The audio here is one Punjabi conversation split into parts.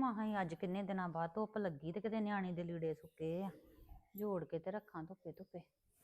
ਮਸਾਂ ਹੀ ਅੱਜ ਕਿੰਨੇ ਦਿਨਾਂ ਬਾਅਦ ਧੁੱਪ ਲੱਗੀ ਤੇ ਕਿਤੇ ਨਿਆਣੇ ਦੇ ਲੀੜੇ ਸੁੱਕੇ ਆ, ਜੋੜ ਕੇ ਤੇ ਰੱਖਾਂ ਧੁੱਪੇ ਧੁੱਪੇ।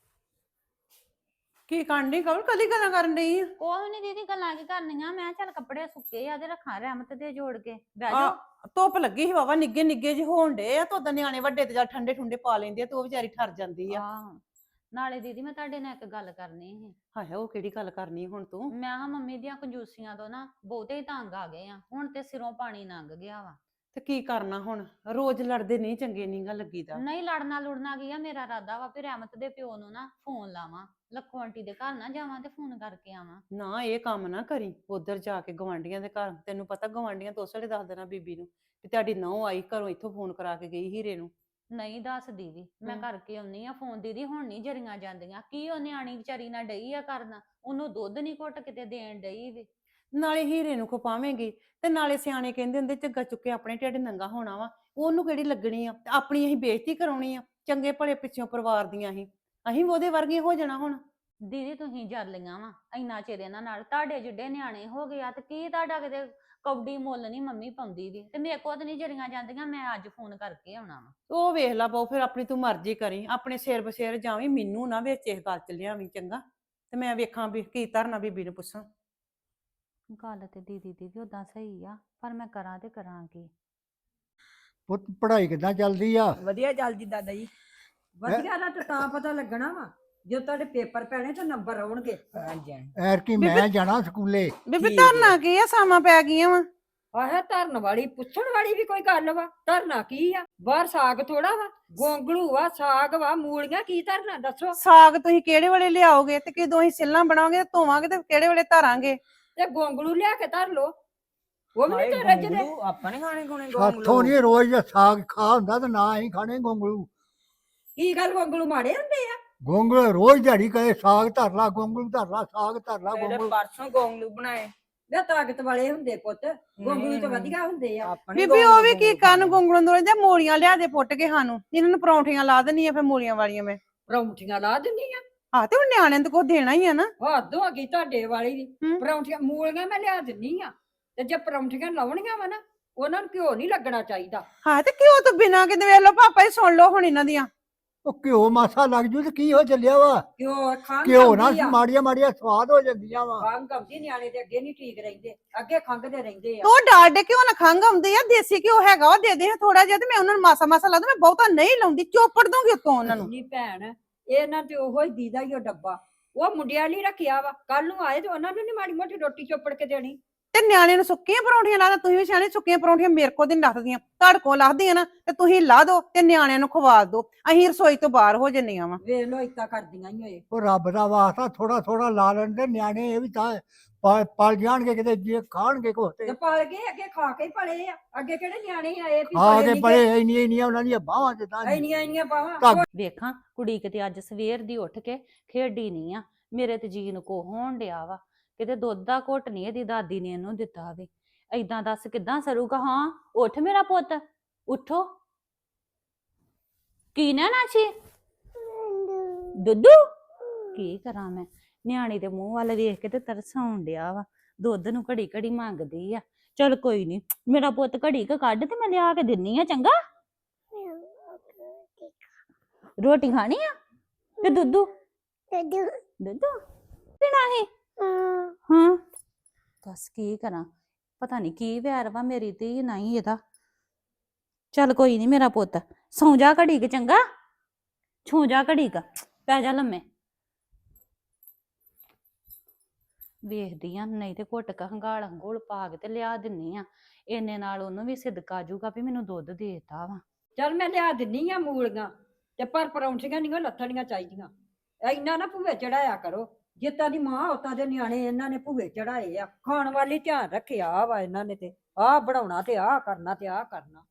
ਕੀ ਕਰਨੀ ਕਵਲ ਕਦੀ ਗੱਲਾਂ ਕਰਨ ਡਈ ਆ? ਕੋਈ ਨੀ ਦੀਦੀ, ਗੱਲਾਂ ਕੀ ਕਰਨੀਆਂ, ਮੈਂ ਚੱਲ ਕੱਪੜੇ ਸੁੱਕੇ ਆ ਤੇ ਰੱਖਾਂ ਰਹਿਮਤ ਦੇ ਜੋੜ ਕੇ, ਬਹਿ ਆ ਜਾਓ। ਧੁੱਪ ਲੱਗੀ ਸੀ ਵਾਵਾ, ਨਿੱਗੇ ਨਿੱਗੇ ਜਿਹੇ ਹੋਣ ਡੇ ਆ, ਤਾਂ ਨਿਆਣੇ ਵੱਡੇ ਤੇ ਜਾਂ ਠੰਡੇ ਠੁੰਡੇ ਪਾ ਲੈਂਦੇ ਆ ਤੇ ਉਹ ਵਿਚਾਰੀ ਠਰ ਜਾਂਦੀ ਆ। ਆਹ ਨਾਲੇ ਦੀਦੀ ਮੈਂ ਤੁਹਾਡੇ ਨਾਲ ਇੱਕ ਗੱਲ ਕਰਨੀ ਸੀ। ਹਾਏ ਉਹ ਕਿਹੜੀ ਗੱਲ ਕਰਨੀ ਹੁਣ ਤੂੰ? ਮੈਂ ਹਾਂ ਮੰਮੀ ਦੀਆਂ ਕੰਜੂਸੀਆਂ ਤੋਂ ਨਾ ਬਹੁਤੇ ਹੀ ਤੰਗ ਆ ਗਏ ਆ, ਹੁਣ ਤੇ ਸਿਰੋਂ ਪਾਣੀ ਲੰਘ ਗਿਆ ਵਾ। ਤੇ ਕੀ ਕਰਨਾ ਹੁਣ, ਰੋਜ਼ ਲੜਦੇ ਨਹੀਂ ਚੰਗੇ ਨੀਗਾ ਲੱਗੀਦਾ। ਨਹੀਂ ਲੜਨਾ ਲੁੜਨਾ ਕੀ ਆ, ਮੇਰਾ ਇਰਾਦਾ ਵਾ ਵੀ ਰਹਿਮਤ ਦੇ ਪਿਓ ਨੂੰ ਨਾ ਫੋਨ ਲਾਵਾਂ, ਲੱਖੋ ਆਂਟੀ ਦੇ ਘਰ ਨਾ ਜਾਵਾਂ ਤੇ ਫੋਨ ਕਰਕੇ ਆਵਾਂ। ਨਾ ਇਹ ਕੰਮ ਨਾ ਕਰੀ, ਉਧਰ ਜਾ ਕੇ ਗਵਾਂਢੀਆਂ ਦੇ ਘਰ, ਤੈਨੂੰ ਪਤਾ ਗਵਾਂਢੀਆਂ ਤੋਂ ਉਸਲੇ ਦੱਸ ਦੇਣਾ ਬੀਬੀ ਨੂੰ ਕਿ ਤੁਹਾਡੀ ਨਹੁੰ ਆਈ ਘਰੋਂ, ਇੱਥੋਂ ਫੋਨ ਕਰਾ ਕੇ ਗਈ ਹੀਰੇ ਨੂੰ। ਨਹੀਂ ਦੱਸਦੀ ਵੀ, ਮੈਂ ਹਮ। ਕਰਕੇ ਆਉਣੀ ਆ ਫੋਨ। ਦੀਦੀ ਹੁਣ ਨਹੀਂ ਜਰੀਆਂ ਜਾਂਦੀਆਂ, ਕੀ ਉਹ ਨਿਆਣੀ ਵਿਚਾਰੀ ਨਾਲ ਡਈ ਆ ਕਰਨਾ, ਉਹਨੂੰ ਦੁੱਧ ਨਹੀਂ ਘੁੱਟ ਕਿਤੇ ਦੇਣ ਡਈ ਵੀ। ਨਾਲੇ ਹੀਰੇ ਨੂੰ ਖਪਾਵੇਂਗੀ ਤੇ ਨਾਲੇ ਸਿਆਣੇ ਕਹਿੰਦੇ ਹੁੰਦੇ ਝੱਗਾ ਚੁੱਕੇ ਆਪਣੇ ਢਿੱਡ ਨੰਗਾ ਹੋਣਾ ਵਾ, ਉਹਨੂੰ ਕਿਹੜੀ ਲੱਗਣੀ ਆ, ਤੇ ਆਪਣੀ ਅਸੀਂ ਬੇਇੱਜ਼ਤੀ ਕਰਾਉਣੀ ਆ, ਚੰਗੇ ਭਲੇ ਪਿੱਛੋਂ ਪਰਿਵਾਰ ਦੀਆਂ ਅਸੀਂ ਉਹਦੇ ਵਰਗੀਆਂ ਹੋ ਜਾਣਾ ਹੁਣ। ਦੀਦੀ ਤੁਸੀਂ ਜਰ ਲਈਆਂ ਵਾ ਇੰਨਾ ਚਿਰ ਇਹਨਾਂ ਨਾਲ, ਤੁਹਾਡੇ ਜਿੱਡੇ ਨਿਆਣੇ ਹੋ ਗਏ ਆ ਤੇ ਕੀ ਤੁਹਾਡਾ ਕਿਤੇ ਕੌਡੀ ਮੁੱਲ ਨਹੀਂ ਮੰਮੀ ਪਾਉਂਦੀ ਵੀ, ਤੇ ਮੇਰੇ ਕੋਲ ਤਾਂ ਨਹੀਂ ਜਰੀਆਂ ਜਾਂਦੀਆਂ, ਮੈਂ ਅੱਜ ਫੋਨ ਕਰਕੇ ਆਉਣਾ ਵਾ। ਉਹ ਵੇਖ ਲਾ ਬਹੁ, ਫਿਰ ਆਪਣੀ ਤੂੰ ਮਰਜ਼ੀ ਕਰੀ, ਆਪਣੇ ਸਿਰ ਬਸੇਰ ਜਾਵੀਂ, ਮੈਨੂੰ ਨਾ ਵਿੱਚ ਇਸ ਗੱਲ ਚ ਲਿਆਵੀਂ ਚੰਗਾ, ਤੇ ਮੈਂ ਵੇਖਾਂ ਵੀ ਕੀ ਧਰਨਾ ਬੀਬੀ ਨੂੰ ਪੁੱਛਾਂ। ਗੱਲ ਤੇ ਦੀਦੀ ਉਦਾਂ ਸਹੀ ਆ, ਪਰ ਮੈਂ ਕਰਾਂ ਤੇ ਕਰਾਂ ਕੀ। ਪੁੱਤ ਪੜ੍ਹਾਈ ਕਿੱਦਾਂ ਚੱਲਦੀ ਆ? ਵਧੀਆ ਚੱਲਦੀ ਦਾਦਾ ਜੀ। ਵਧੀਆ ਦਾ ਤਾਂ ਪਤਾ ਲੱਗਣਾ ਵਾ ਜੋ ਤੁਹਾਡੇ ਪੇਪਰ ਪੈਣੇ ਤੇ ਨੰਬਰ ਆਉਣਗੇ। ਹਾਂਜੀ ਐਰਕੀ ਮੈਂ ਜਾਣਾ ਸਕੂਲੇ। ਬੀਬੀ ਠੀਕ ਹੈ। ਧਰਨਾ ਕੀ ਆ, ਸਾਵਾਂ ਪੈ ਗਈਆਂ ਵਾ। ਆਹ ਧਰਨ ਵਾਲੀ ਪੁੱਛਣ ਵਾਲੀ ਵੀ ਕੋਈ ਗੱਲ ਵਾ? ਧਰਨਾ ਕੀ ਆ? ਬਾਹਰ ਸਾਗ ਥੋੜਾ ਵਾ, ਗੋਂਗਲੂ ਵਾ, ਸਾਗ ਵਾ, ਮੂਲੀਆਂ, ਕੀ ਧਰਨਾ ਦੱਸੋ? ਸਾਗ ਤੁਸੀਂ ਕਿਹੜੇ ਵੇਲੇ ਲਿਆਓਗੇ ਤੇ ਕਿਦੋਂ ਅਸੀਂ ਸਿੱਲਾਂ ਬਣਾਵਾਂਗੇ ਤੇ ਧੋਵਾਂਗੇ ਤੇ ਕਿਹੜੇ ਵੇਲੇ ਧਰਾਂਗੇ? ਤੇ ਗੋਂਗਲੂ ਲਿਆ ਕੇ ਧਰ ਲੋ, ਉਹ ਵੀ ਨਹੀਂ ਤੇ ਰੱਜਦੇ। ਆਪਾਂ ਨੇ ਖਾਣੇ ਖੁਣੇ ਸਾਥੋਂ ਨਹੀਂ ਰੋਜ਼ ਦਾ ਸਾਗ ਖਾ ਹੁੰਦਾ ਤੇ ਨਾ ਹੀ ਖਾਣੇ ਗੋਂਗਲੂ। ਕੀ ਗੱਲ ਗੋਂਗਲੂ ਮਾੜੇ ਹੁੰਦੇ ਆ? ਗੋਂਗਲੂ ਰੋਜ਼ ਦਿਹਾੜੀ ਕਹੇ ਸਾਗ ਧਰ ਲਾ, ਗੋਂਗਲੂ ਧਰ ਲਾ, ਸਾਗ ਧਰ ਲਾ, ਮੇਰੇ ਗੋਂਗਲੂ। ਪਰਸੋਂ ਗੋਂਗਲੂ ਬਣਾਏ। ਵੇ ਤਾਕਤ ਵਾਲੇ ਹੁੰਦੇ ਪੁੱਤ, ਗੋਂਗਲੂ ਤਾਂ ਵਧੀਆ ਹੁੰਦੇ ਆ। ਆਪਾਂ ਨੀ ਬੀਬੀ ਉਹ ਵੀ ਕੀ ਗੋਂਗਲੂ ਕਰਨ ਗੋਂਗਲੋਂ ਦੋਲੇ ਜਾਂ ਮੂਲੀਆਂ ਲਿਆ ਦੇ ਪੁੱਟ ਕੇ ਸਾਨੂੰ, ਇਹਨਾਂ ਨੂੰ ਪਰੌਂਠੀਆਂ ਲਾ ਦੇਣੀਆਂ ਫਿਰ ਮੂਲੀਆਂ ਵਾਲੀਆਂ ਮੈਂ। ਪਰੌਂਠੀਆਂ ਲਾ ਦਿੰਦੀ ਆ? ਆਹ ਤੇ ਹੁਣ ਨਿਆਣਿਆਂ ਨੂੰ ਕੁਝ ਦੇਣਾ ਹੀ ਆ ਨਾ। ਹੱਦ ਹੋ ਗਈ ਤੁਹਾਡੇ ਵਾਲੀ ਦੀ। ਹੂੰ। ਪਰੌਂਠੀਆਂ ਮੂਲੀਆਂ ਮੈਂ ਲਿਆ ਦਿੰਨੀ ਆ, ਤੇ ਜੇ ਪਰੌਂਠੀਆਂ ਲਾਉਣੀਆਂ ਵਾ ਨਾ, ਉਹਨਾਂ ਨੂੰ ਘਿਓ ਨਹੀਂ ਲੱਗਣਾ ਚਾਹੀਦਾ। ਹਾਂ ਤੇ ਕਿਉਂ ਤੋਂ ਬਿਨਾਂ ਕਿਤੇ ਵੇਖ ਲਓ, ਪਾਪਾ ਜੀ ਸੁਣ ਲਓ ਹੁਣ ਇਹਨਾਂ ਦੀਆਂ। ਉਹ ਘਿਓ ਮਾਸਾ ਲੱਗ ਜੂ ਤੇ ਕੀ ਹੋ ਚੱਲਿਆ ਵਾ? ਘਿਓ ਖੰਘ ਘਿਓ ਨਾ ਆਉਂਦੀ ਆ। ਮਾੜੀਆਂ ਮਾੜੀਆਂ ਸਵਾਦ ਹੋ ਜਾਂਦੀਆਂ ਵਾ। ਖੰਘ ਆਉਂਦੀ, ਨਿਆਣੇ ਤੇ ਅੱਗੇ ਨਹੀਂ ਠੀਕ ਰਹਿੰਦੇ, ਅੱਗੇ ਖੰਘਦੇ ਰਹਿੰਦੇ ਆ। ਤੂੰ ਡਾਡੇ ਕਿਉਂ ਨਾ ਖੰਘ ਆਉਂਦੀ ਆ, ਦੇਸੀ ਘਿਓ ਹੈਗਾ ਵਾ ਦੇ ਦੇ ਥੋੜਾ ਜਿਹਾ, ਤੇ ਮੈਂ ਉਹਨਾਂ ਨੂੰ ਮਾਸਾ ਮਾਸਾ ਲਾ ਦੂੰ, ਮੈਂ ਬਹੁਤਾ ਨਹੀਂ ਲਾਉਂਦੀ, ਚੋਪੜ ਦੂੰਗੀ ਉੱਤੋਂ ਉਹਨਾਂ ਨੂੰ। ਨਹੀਂ ਭੈਣ, ਇਹਨਾਂ ਤੇ ਉਹੋ ਹੀ ਦੀਦਾ ਹੀ ਉਹ ਡੱਬਾ, ਉਹ ਮੁੰਡਿਆਂ ਲਈ ਰੱਖਿਆ ਵਾ, ਕੱਲ ਨੂੰ ਆਏ ਤੇ ਉਹਨਾਂ ਨੂੰ ਨੀ ਮਾੜੀ ਮੋਟੀ ਰੋਟੀ ਚੋਪੜ ਕੇ ਦੇਣੀ। ਤੇ ਨਿਆਣੇ ਨੂੰ ਸੁੱਕੀਆਂ ਪਰੌਂਠੀਆਂ ਲਾ ਦੋ, ਤੁਸੀਂ ਵੀ ਸਿਆਣੇ, ਸੁੱਕੀਆਂ ਪਰੌਂਠੀਆਂ ਮੇਰੇ ਕੋਲ ਨਹੀਂ ਲੱਥਦੀਆਂ, ਤੁਹਾਡੇ ਕੋਲ ਲੱਥਦੀਆਂ ਨਾ, ਤੇ ਤੁਸੀਂ ਲਾ ਦੋ ਤੇ ਨਿਆਣਿਆਂ ਨੂੰ ਖਵਾ ਦੋ, ਅਸੀਂ ਰਸੋਈ ਤੋਂ ਬਾਹਰ ਹੋ ਜੰਨੀਆਂ ਵਾ। ਵੇਖ ਲੋ ਇਤਾ ਕਰਦੀਆਂ ਹੀ ਹੋਏ। ਉਹ ਰੱਬ ਦਾ ਵਾਸਤਾ ਥੋੜਾ ਥੋੜਾ ਲਾ ਲੈਣ ਦੇ, ਨਿਆਣੇ ਇਹ ਵੀ ਤਾਂ ਪਲ ਜਾਣਗੇ ਕਿਤੇ, ਜੇ ਖਾਣਗੇ ਕੁਛ ਤੇ ਤੇ ਪਲ ਗਏ, ਅੱਗੇ ਖਾ ਕੇ ਹੀ ਪਲੇ ਆ, ਅੱਗੇ ਕਿਹੜੇ ਨਿਆਣੇ ਆਏ ਵੀ ਖਾ ਪਲੇ ਕੇ ਨੀ ਪਲੇ ਇੰਨੀਆਂ ਇੰਨੀਆਂ ਉਹਨਾਂ ਦੀਆਂ ਬਾਹਾਂ ਜਿੱਦਾਂ ਇੰਨੀਆਂ ਬਾਵਾਂ। ਧਾਗੇ। ਵੇਖਾਂ ਕੁੜੀ ਕਿਤੇ ਅੱਜ ਸਵੇਰ ਦੀ ਉੱਠ ਕੇ ਖੇਡੀ ਨਹੀਂ ਆ, ਮੇਰੇ ਤੇ ਜੀ ਨੂੰ ਕੋ ਹੋਣ ਡਿਆ ਵਾ, ਕਿਤੇ ਦੁੱਧ ਦਾ ਘੁੱਟ ਨਹੀਂ ਇਹਦੀ ਦਾਦੀ ਨੇ ਇਹਨੂੰ ਦਿੱਤਾ ਵੀ। ਏਦਾਂ ਦੱਸ ਕਿੱਦਾਂ ਸਰੂਗਾ? ਹਾਂ ਉੱਠ ਮੇਰਾ ਪੁੱਤ, ਉੱਠੋ। ਕੀ ਨਾ ਨਾਚੀ ਦੁੱਧੂ? ਕੀ ਕਰਾਂ ਮੈਂ, ਨਿਆਣੀ ਦੇ ਮੂੰਹ ਵੱਲ ਵੇਖ ਕੇ ਤੇ ਤਰਸ ਆਉਣ ਡਿਆ ਵਾ, ਦੁੱਧ ਨੂੰ ਘੜੀ ਘੜੀ ਮੰਗਦੀ ਆ। ਚਲ ਕੋਈ ਨੀ, ਮੇਰਾ ਪੁੱਤ ਘੜੀ ਕ ਕੱਢ ਤੇ ਮੈਂ ਲਿਆ ਕੇ ਦਿੰਨੀ ਆ, ਚੰਗਾ? ਰੋਟੀ ਖਾਣੀ ਆ ਤੇ ਦੁੱਧੂ ਦੁੱਧੂ ਪੀਣਾ ਹੀ? ਹਾਂ ਦੱਸ ਕੀ ਕਰਾਂ, ਪਤਾ ਨਹੀਂ ਕੀ ਵੈਰ ਵਾ ਮੇਰੀ ਤੇ ਨਹੀਂ ਇਹਦਾ। ਚੱਲ ਕੋਈ ਨਹੀਂ ਮੇਰਾ ਪੁੱਤ, ਸੌਂ ਜਾ ਘੜੀ ਕ, ਚੰਗਾ? ਛੂ ਜਾ ਘੜੀ ਕ, ਪੈ ਜਾ ਲੰਮੇ। ਵੇਖਦੀ ਆ, ਨਹੀਂ ਤੇ ਘੁੱਟ ਕ ਹੰਗਾਲ ਹੰਗੋਲ ਪਾ ਕੇ ਤੇ ਲਿਆ ਦਿੰਨੀ ਆ, ਇੰਨੇ ਨਾਲ ਉਹਨੂੰ ਵੀ ਸਿਦਕਾ ਜੂਗਾ ਵੀ ਮੈਨੂੰ ਦੁੱਧ ਦੇਤਾ ਵਾ। ਚੱਲ ਮੈਂ ਲਿਆ ਦਿੰਨੀ ਆ ਮੂਲੀਆਂ, ਤੇ ਪਰ ਪਰੌਂਠੀਆਂ ਨਹੀਂ ਲੱਥਣੀਆਂ ਚਾਹੀਦੀਆਂ। ਇੰਨਾ ਨਾ ਭੂਵੇ ਚੜਾਇਆ ਕਰੋ, ਜਿੱਤਾਂ ਦੀ ਮਾਂ ਉਤਾਂ ਦੇ ਨਿਆਣੇ ਇਹਨਾਂ ਨੇ ਭੂਵੇ ਚੜਾਏ ਆ। ਖਾਣ ਵਾਲੀ ਧਿਆਨ ਰੱਖਿਆ ਵਾ ਇਹਨਾਂ ਨੇ, ਤੇ ਆਹ ਬਣਾਉਣਾ ਤੇ ਆਹ ਕਰਨਾ ਤੇ ਆਹ ਕਰਨਾ।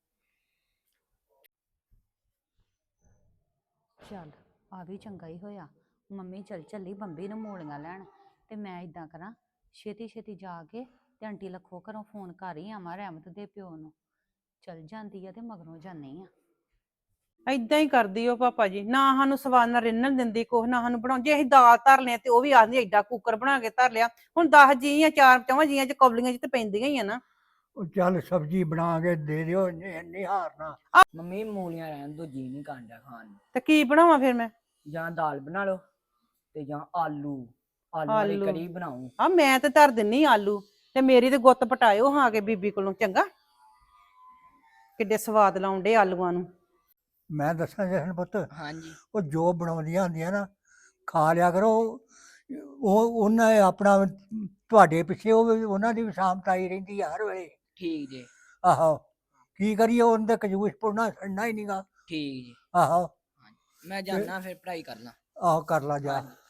ਚੱਲ ਆ ਵੀ ਚੰਗਾ ਹੀ ਹੋਇਆ, ਮੰਮੀ ਚੱਲੀ ਬੰਬੀ ਨੂੰ ਮੂਲੀਆਂ ਲੈਣ, ਤੇ ਮੈਂ ਇਦਾਂ ਕਰਾਂ ਛੇਤੀ ਛੇਤੀ ਜਾ ਕੇ ਤੇ ਆਂਟੀ ਲੱਖੋ ਘਰੋਂ ਫੋਨ ਕਰ ਹੀ ਆਵਾਂ ਰਹਿਮਤ ਦੇ ਪਿਓ ਨੂੰ। ਚੱਲ ਜਾਂਦੀ ਆ ਤੇ ਮਗਰੋਂ ਜਾਨੀ ਆ। ਏਦਾਂ ਹੀ ਕਰਦੀ ਉਹ ਪਾਪਾ ਜੀ, ਨਾ ਸਾਨੂੰ ਸਵਾਦ ਨਾਲ ਰਿੰਨਣ ਦਿੰਦੀ ਕੁਛ, ਨਾ ਸਾਨੂੰ ਬਣਾਉਂ। ਜੇ ਅਸੀਂ ਦਾਲ ਧਰ ਲਿਆ ਤੇ ਉਹ ਵੀ ਆਖਦੀ ਐਡਾ ਕੁੱਕਰ ਬਣਾ ਕੇ ਧਰ ਲਿਆ। ਹੁਣ 10 ਜੀ ਆ, 4 4 ਜੀਆਂ ਚ ਕੌਲੀਆਂ ਚ ਤੇ ਪੈਂਦੀਆਂ ਹੀ ਆ ਨਾ। ਉਹ ਚੱਲ ਸਬਜ਼ੀ ਬਣਾ ਕੇ ਦੇ ਦਿਓ, ਨਹੀਂ ਹਾਰਨਾ। ਮੰਮੀ ਮੂਲੀਆਂ ਰਹਿਣ ਦੋ, ਜੀ ਨਹੀਂ ਕਾਂਡਾ ਖਾਣ ਨੂੰ। ਤੇ ਕੀ ਬਣਾਵਾਂ ਫਿਰ ਮੈਂ? ਜਾਂ ਦਾਲ ਬਣਾ ਲਓ ਤੇ ਜਾਂ ਆਲੂ ਵਾਲੀ ਆਲੂ। ਕੜੀ ਬਣਾਉ। ਆ ਮੈਂ ਤੇ ਧਰ ਦਿੰਨੀ ਆਲੂ, ਤੇ ਮੇਰੀ ਤੇ ਗੁੱਤ ਪਟਾਇਓ ਹਾਂ ਕੇ ਬੀਬੀ ਕੋਲੋਂ, ਚੰਗਾ? ਕਿੱਡੇ ਸਵਾਦ ਲਾਉਂਦੇ ਆਲੂਆਂ ਨੂੰ। ਮੈਂ ਦੱਸਾਂ ਜਸ਼ਨ ਪੁੱਤ, ਹਾਂਜੀ ਉਹ ਜੋ ਬਣਾਉਂਦੀਆਂ ਹੁੰਦੀਆਂ ਨਾ ਖਾ ਲਿਆ ਕਰੋ। ਉਹ ਉਹਨਾਂ ਨੇ ਆਪਣਾ ਤੁਹਾਡੇ ਪਿੱਛੇ ਉਹਨਾਂ ਦੀ ਵੀ ਸ਼ਾਮਤ ਆਈ ਰਹਿੰਦੀ ਆ ਹਰ ਵੇਲੇ। ਠੀਕ ਜੀ। ਆਹੋ, ਕੀ ਕਰੀਏ, ਉਹਨਾਂ ਦੇ ਕੰਜੂਸ ਪੁੜਨਾ ਛੱਡਣਾ ਹੀ ਨਹੀਂਗਾ। ਠੀਕ ਜੀ। ਆਹੋ ਮੈਂ ਜਾਣਾ ਫਿਰ ਪੜ੍ਹਾਈ ਕਰ ਲਾਂ। ਆਹੋ ਕਰ ਲਾ ਜਾ। ਹਾਂਜੀ।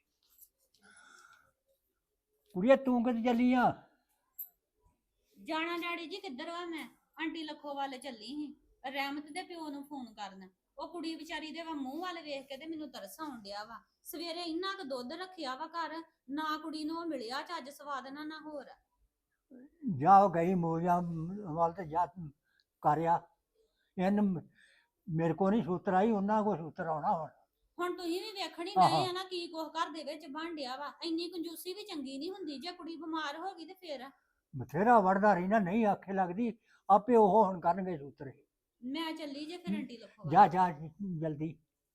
ਕੁੜੀਏ ਤੂੰ ਕਿੱਥੇ ਚੱਲੀ ਆ? ਜਾਣਾ ਡੈਡੀ ਜੀ ਕਿੱਧਰ ਵਾ? ਮੈਂ ਆਂਟੀ ਲੱਖੋ ਵੱਲ ਚੱਲੀ ਸੀ ਰਹਿਮਤ ਦੇ ਪਿਓ ਨੂੰ ਫੋਨ ਕਰਨ। ਉਹ ਕੁੜੀ ਵਿਚਾਰੀ ਦੇ ਮੂੰਹ ਵੱਲ ਵੇਖ ਕੇ ਤੇ ਮੈਨੂੰ ਤਰਸ ਆਉਣ ਡਿਆ ਵਾ। ਸਵੇਰੇ ਇੰਨਾ ਕੁ ਦੁੱਧ ਰੱਖਿਆ ਵਾ ਘਰ, ਨਾ ਕੁੜੀ ਨੂੰ ਉਹ ਮਿਲਿਆ ਚੱਜ ਸਵਾਦ ਨਾ ਹੋਰ। ਜਾ ਉਹ ਗਈ ਮੋਜਾਂ ਵੱਲ ਤੇ ਜਾ ਕਰਿਆ। ਇਹਨ ਮੇਰੇ ਕੋ ਨਹੀਂ ਸੂਤਰ ਆਈ, ਉਹਨਾਂ ਕੋ ਸੂਤਰ ਆਉਣਾ ਹੁਣ। ਹੁਣ ਤੁਸੀਂ ਵੀ ਵੇਖਣ ਹੀ ਆਹਾ। ਗਏ ਆ ਨਾ ਕੀ ਕੁਛ ਘਰ ਦੇ ਵਿੱਚ ਬਣ ਡਿਆ ਵਾ। ਇੰਨੀ ਕੰਜੂਸੀ ਵੀ ਚੰਗੀ ਨਹੀਂ ਹੁੰਦੀ, ਜੇ ਕੁੜੀ ਬਿਮਾਰ ਹੋ ਗਈ ਤੇ ਫੇਰ। ਬਥੇਰਾ ਵੜਦਾ ਰਹੀ ਨਾ, ਨਹੀਂ ਆਖੇ ਲੱਗਦੀ, ਆਪੇ ਉਹ ਹੁਣ ਕਰਨਗੇ ਸੂਤਰ। ਮੈਂ ਚੱਲੀ ਜੇ ਫਿਰ ਆਂਟੀ ਲੱਖੋ ਵੱਲ। ਜਾ ਜਾ ਜਲਦੀ।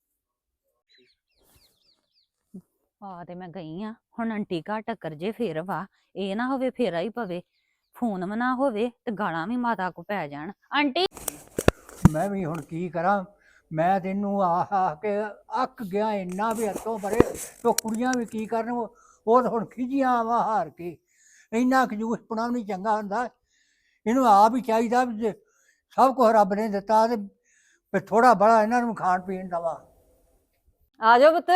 ਆ ਤੇ ਮੈਂ ਗਈ ਆ, ਹੁਣ ਆਂਟੀ ਘਰ ਟੱਕਰ ਜੇ ਫੇਰ ਵਾ। ਇਹ ਨਾ ਹੋਵੇ ਫੇਰਾ ਹੀ ਪਵੇ, ਫੋਨ ਵੀ ਨਾ ਹੋਵੇ ਤੇ ਗਾਲਾਂ ਵੀ ਮਾਤਾ ਕੋ ਪੈ ਜਾਣ। ਆਂਟੀ ਮੈਂ ਵੀ ਹੁਣ ਕੀ ਕਰਾਂ? ਮੈਂ ਤੈਨੂੰ ਆਹ ਕੇ ਅੱਕ ਗਿਆ ਇੰਨਾ ਵੀ ਹੱਥੋਂ ਪਰੇ। ਤੋ ਕੁੜੀਆਂ ਵੀ ਕੀ ਕਰਨ, ਉਹ ਤਾਂ ਹੁਣ ਖਿਜੀਆਂ ਵਾ ਹਾਰ ਕੇ। ਇੰਨਾ ਕੰਜੂਸ ਪੁਣਾ ਨਹੀਂ ਚੰਗਾ ਹੁੰਦਾ। ਇਹਨੂੰ ਆਪ ਹੀ ਚਾਹੀਦਾ ਵੀ ਜੇ ਸਭ ਕੁਝ ਰੱਬ ਨੇ ਦਿੱਤਾ ਤੇ ਥੋੜਾ ਬੜਾ ਇਹਨਾਂ ਨੂੰ ਖਾਣ ਪੀਣ ਦਵਾ। ਆ ਜਾਓ ਪੁੱਤ।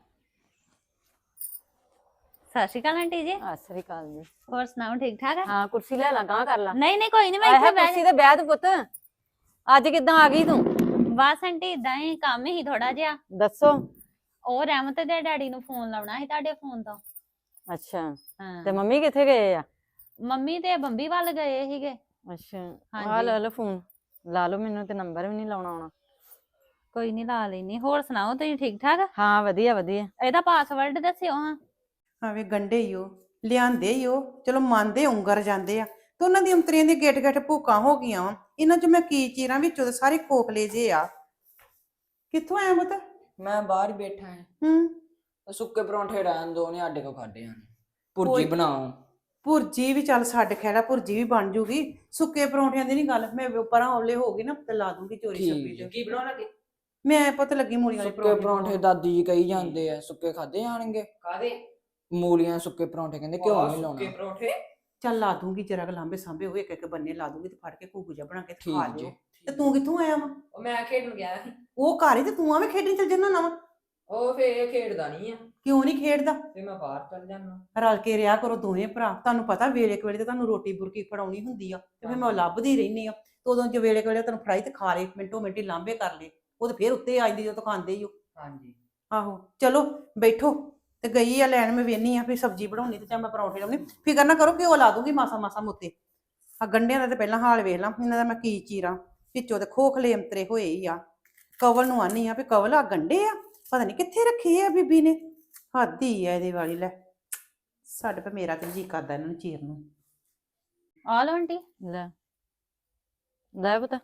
ਸਤਿ ਸ਼੍ਰੀ ਅਕਾਲ ਆਂਟੀ ਜੀ। ਸਤਿ ਸ੍ਰੀ ਅਕਾਲ ਜੀ। ਹੋਰ ਸੁਣਾਓ, ਠੀਕ ਠਾਕ ਆ? ਹਾਂ ਕੁਰਸੀ ਲੈ ਲਾ, ਗਾਂ ਕਰ ਲਾ। ਨਹੀਂ ਨਹੀਂ ਕੋਈ ਨਹੀਂ, ਮੈਂ ਆਏ ਇੱਥੇ ਹੈ ਬਹਿ ਕੁਰਸੀ ਤੇ ਬਹਿ ਤੂੰ ਪੁੱਤ। ਅੱਜ ਕਿੱਦਾਂ ਆ ਗਈ ਤੂੰ? ਬਸ ਆਂਟੀ ਇਦਾਂ ਹੀ ਕੰਮ ਹੀ ਥੋੜਾ ਜਿਹਾ। ਦੱਸੋ। ਉਹ ਰਹਿਮਤ ਦੇ ਡੈਡੀ ਨੂੰ ਫੋਨ ਲਾਉਣਾ ਸੀ ਤੁਹਾਡੇ ਫੋਨ ਤੋਂ। ਅੱਛਾ ਹਾਂ, ਤੇ ਮੰਮੀ ਕਿੱਥੇ ਗਏ ਆ? ਮੰਮੀ ਤੇ ਬੰਬੀ ਵੱਲ ਗਏ ਸੀਗੇ। ਅੱਛਾ ਆ ਹਾਂਜੀ। ਲੈ ਲਓ ਫੋਨ, ਲਾ ਲਓ। ਮੈਨੂੰ ਤੇ ਨੰਬਰ ਵੀ ਨਹੀਂ ਲਾਉਣਾ ਆਉਣਾ। ਕੋਈ ਨਹੀਂ ਲਾ ਲੈਣੀ। ਹੋਰ ਸੁਣਾਓ, ਤੁਸੀਂ ਠੀਕ ਠਾਕ? ਹਾਂ ਵਧੀਆ ਵਧੀਆ। ਇਹਦਾ ਪਾਸਵਰਡ ਦੱਸਿਓ ਹਾਂ। ਆਵੇ ਗੰਡੇ ਹੀ ਉਹ ਲਿਆਂਦੇ ਹੀ ਉਹ, ਚਲੋ ਮੰਨਦੇ ਉਂਗਰ ਜਾਂਦੇ ਆ, ਤੇ ਉਹਨਾਂ ਦੀ ਅੰਤਰੀਆਂ ਦੀ ਗੇਟ ਗੇਟ ਭੂਕਾਂ ਹੋ ਗਈਆਂ ਵਾ। ਇਹਨਾਂ ਚ ਮੈਂ ਕੀ ਚੀਰਾਂ, ਵਿੱਚੋਂ ਤੇ ਸਾਰੇ ਖੋਖਲੇ ਜੇ ਆ। ਕਿੱਥੋਂ ਆਇਆ ਪੁੱਤ? ਮੈਂ ਬਾਹਰ ਹੀ ਬੈਠਾ ਹਾਂ। ਹੂੰ। ਸੁੱਕੇ ਪਰੌਂਠੇ ਰਹਿਣ ਦੋ, ਨੇ ਆਡੇ ਕੋ ਖਾਦੇ ਹਨ। ਭੁਰਜੀ ਕੋਈ- ਬਣਾਓ। ਭੁਰਜੀ ਵੀ ਚੱਲ ਛੱਡ ਖੈੜਾ, ਭੁਰਜੀ ਵੀ ਬਣ ਜੂਗੀ। ਸੁੱਕੇ ਪਰੌਂਠਿਆਂ ਦੀ ਨਹੀਂ ਗੱਲ, ਮੈਂ ਪਰਾਂ ਔਲੇ ਹੋ ਗਈ ਨਾ ਤੇ ਲਾ ਦੂੰਗੀ ਚੋਰੀ ਛੱਪੀ ਠੀਕ ਤੇ। ਕੀ ਬਣਾਉਣ ਲੱਗੇ? ਮੈਂ ਪੁੱਤ ਲੱਗੀ ਮੂਲੀਆਂ ਵਾਲੇ ਸੁੱਕੇ ਪਰੌਂਠੇ ਦਾਦੀ ਜੀ ਕਹੀ ਜਾਂਦੇ ਆ, ਸੁੱਕੇ ਖਾਦੇ ਜਾਣਗੇ। ਕਾਦੇ? ਮੂਲੀਆਂ ਸੁੱਕੇ ਪਰੌਂਠੇ ਕਹਿੰਦੇ ਘਿਓ ਨਹੀਂ ਲਾਉਣਾ। ਸੁੱਕੇ ਪਰੌਂਠੇ? ਚੱਲ ਲਾ ਦੂੰਗੀ, ਜਰਾ ਕੁ ਲਾਂਬੇ ਸਾਂਬੇ ਹੋਏ, ਇੱਕ ਇੱਕ ਬੰਨੇ ਲਾ ਦੂੰਗੀ ਤੇ ਫੜ ਕੇ ਘੂਗੂ ਜਿਹਾ ਬਣਾ ਕੇ ਤੇ ਖਾ ਠੀਕ ਲਿਓ। ਜੀ। ਤੇ ਤੂੰ ਕਿੱਥੋਂ ਆਇਆ ਵਾ? ਉਹ ਮੈਂ ਖੇਡਣ ਗਿਆ ਸੀ। ਉਹ ਘਰ ਹੀ ਤੇ ਤੂੰ ਆਵੇਂ ਖੇਡਣ ਚੱਲ ਜੰਨਾ ਨਾ ਵਾ। ਉਹ ਫੇਰ ਇਹ ਖੇਡਦਾ ਨਹੀਂ ਆ ਕਿਉਂ ਨਹੀਂ ਖੇਡਦਾ? ਤੇ ਮੈਂ ਬਾਹਰ ਚੱਲ ਜਾਣਾ। ਰਲ ਕੇ ਰਿਹਾ ਕਰੋ ਦੋਵੇਂ ਭਰਾ। ਤੁਹਾਨੂੰ ਪਤਾ ਵੇਲੇ ਕੁ ਵੇਲੇ ਤੇ ਤੁਹਾਨੂੰ ਰੋਟੀ ਬੁਰਕੀ ਫੜਾਉਣੀ ਹੁੰਦੀ ਆ, ਤੇ ਫਿਰ ਮੈਂ ਲੱਭਦੀ ਰਹਿਨੀ ਆ। ਤੇ ਉਦੋਂ ਜੇ ਵੇਲੇ ਕੁ ਵੇਲੇ ਤੈਨੂੰ ਫੜਾਈ ਤੇ ਖਾ ਲੇ, ਮਿੰਟੋ ਮਿੰਟੀ ਲਾਂਬੇ ਕਰ ਲੇ। ਉਹ ਤੇ ਫੇਰ ਉੱਤੇ ਆ ਜਾਂਦੀ ਜਦੋਂ ਖਾਂਦੇ ਹੀ ਉਹ। ਹਾਂਜੀ। ਆਹੋ ਚਲੋ ਬੈਠੋ। ਤੇ ਗਈ ਆ ਲੈਣ, ਮੈਂ ਵੇਹਨੀ ਆ ਵੀ ਸਬਜ਼ੀ ਬਣਾਉਣੀ ਤੇ ਜਾਂ ਮੈਂ ਪਰੌਂਠੇ ਲਾਉਣੀ। ਫਿਕਰ ਨਾ ਕਰੋ, ਘਿਓ ਲਾ ਦੂੰਗੀ ਮਾਸਾ ਮਾਸਾ ਮੁੱਤੇ। ਆ ਗੰਢਿਆਂ ਦਾ ਤੇ ਪਹਿਲਾਂ ਹਾਲ ਵੇਖ ਲਾਂ, ਇਹਨਾਂ ਦਾ ਮੈਂ ਕੀ ਚੀਰਾਂ। ਵਿੱਚੋਂ ਤੇ ਖੋਖਲੇ ਅੰਤਰੇ ਹੋਏ ਹੀ ਆ। ਕਵਲ ਨੂੰ ਆਨੀ ਆ ਵੀ ਕਵਲ ਆ ਗੰਢੇ ਆ, ਪਤਾ ਨਹੀਂ ਕਿੱਥੇ ਰੱਖੇ ਆ ਬੀਬੀ ਨੇ। ਹੱਦ ਹੀ ਆ ਇਹਦੇ ਵਾਲੀ। ਲੈ ਸਾਡੇ ਪੇ ਮੇਰਾ ਤੇ ਜੀ ਕਰਦਾ ਇਹਨਾਂ ਨੂੰ ਚੀਰ ਨੂੰ। ਆ ਲਓ ਆਂਟੀ। ਲੈ ਲੈ ਪੁੱਤ।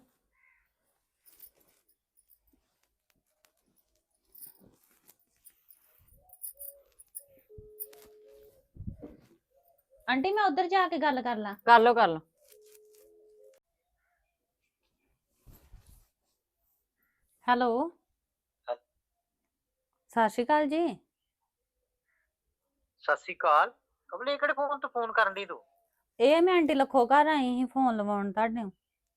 ਆਂਟੀ ਮੈਂ ਉੱਧਰ ਜਾ ਕੇ ਗੱਲ ਕਰ ਲਾਂ। ਕਰ ਲਓ ਕਰ ਲਓ। ਹੈਲੋ, ਸਤਿ ਸ਼੍ਰੀ ਅਕਾਲ ਜੀ। ਸਤਿ ਸ੍ਰੀ ਅਕਾਲ। ਕਮਲੇ ਕਿਹੜੇ ਫੋਨ ਤੋਂ ਫੋਨ ਕਰਨ ਦੀ ਤੂੰ? ਇਹ ਮੈਂ ਆਂਟੀ ਲੱਖੋ ਘਰ ਆਈ ਸੀ ਫੋਨ ਲਵਾਉਣ ਤੁਹਾਡੇ ਨੂੰ।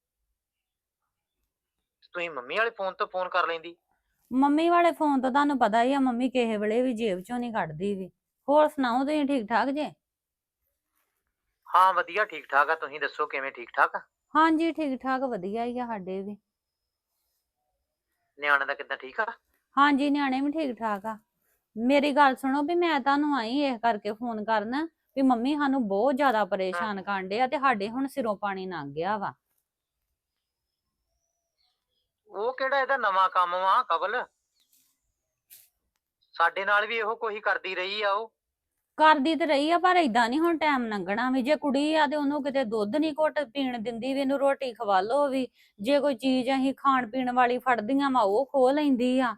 ਤੁਸੀਂ ਮੰਮੀ ਵਾਲੇ ਫੋਨ ਤੋਂ ਫੋਨ ਕਰ ਲੈਂਦੀ। ਮੰਮੀ ਵਾਲੇ ਫੋਨ ਤੋਂ ਤੁਹਾਨੂੰ ਪਤਾ ਹੀ ਆ, ਮੰਮੀ ਕਿਸੇ ਵੇਲੇ ਵੀ ਜੇਬ ਚੋਂ ਨਹੀਂ ਕੱਢਦੀ ਵੀ। ਹੋਰ ਸੁਣਾਓ, ਤੁਸੀਂ ਠੀਕ ਠਾਕ ਜੇ? ਹਾਂ ਵਧੀਆ ਠੀਕ ਠਾਕ ਆ, ਤੁਸੀਂ ਦੱਸੋ ਕਿਵੇਂ ਠੀਕ ਠਾਕ ਆ? ਹਾਂਜੀ ਠੀਕ ਠਾਕ ਵਧੀਆ ਹੀ ਆ ਸਾਡੇ ਵੀ। ਨਿਆਣੇ ਦਾ ਕਿੱਦਾਂ ਠੀਕ ਆ? ਹਾਂਜੀ ਨਿਆਣੇ ਵੀ ਠੀਕ ਠਾਕ ਆ। ਮੇਰੀ ਗੱਲ ਸੁਣੋ, ਵੀ ਮੈਂ ਤੁਹਾਨੂੰ ਆਈ ਇਸ ਕਰਕੇ ਫੋਨ ਕਰਨ ਵੀ ਮੰਮੀ ਸਾਨੂੰ ਬਹੁਤ ਜ਼ਿਆਦਾ ਪਰੇਸ਼ਾਨ ਕਰਨ ਡੇ ਆ ਤੇ ਸਾਡੇ ਹੁਣ ਸਿਰੋਂ ਪਾਣੀ ਲੰਘ ਗਿਆ ਵਾ। ਉਹ ਕਿਹੜਾ ਇਹਦਾ ਨਵਾਂ ਕੰਮ ਵਾ ਕਬਲ? ਸਾਡੇ ਨਾਲ ਵੀ ਇਹੋ ਕੋਈ ਕਰਦੀ ਰਹੀ ਆ ਉਹ। ਕਰਦੀ ਤੇ ਰਹੀ ਆ ਪਰ ਏਦਾਂ ਨਹੀਂ ਹੁਣ ਟਾਈਮ ਲੰਘਣਾ ਵੀ। ਜੇ ਕੁੜੀ ਆ ਤੇ ਉਹਨੂੰ ਕਿਤੇ ਦੁੱਧ ਨਹੀਂ ਘੁੱਟ ਪੀਣ ਦਿੰਦੀ ਵੀ, ਇਹਨੂੰ ਰੋਟੀ ਖਵਾ ਲੋ ਵੀ। ਜੇ ਕੋਈ ਚੀਜ਼ ਅਸੀਂ ਖਾਣ ਪੀਣ ਵਾਲੀ ਫੜਦੀਆਂ ਵਾ ਉਹ ਖੋਹ ਲੈਂਦੀ ਆ।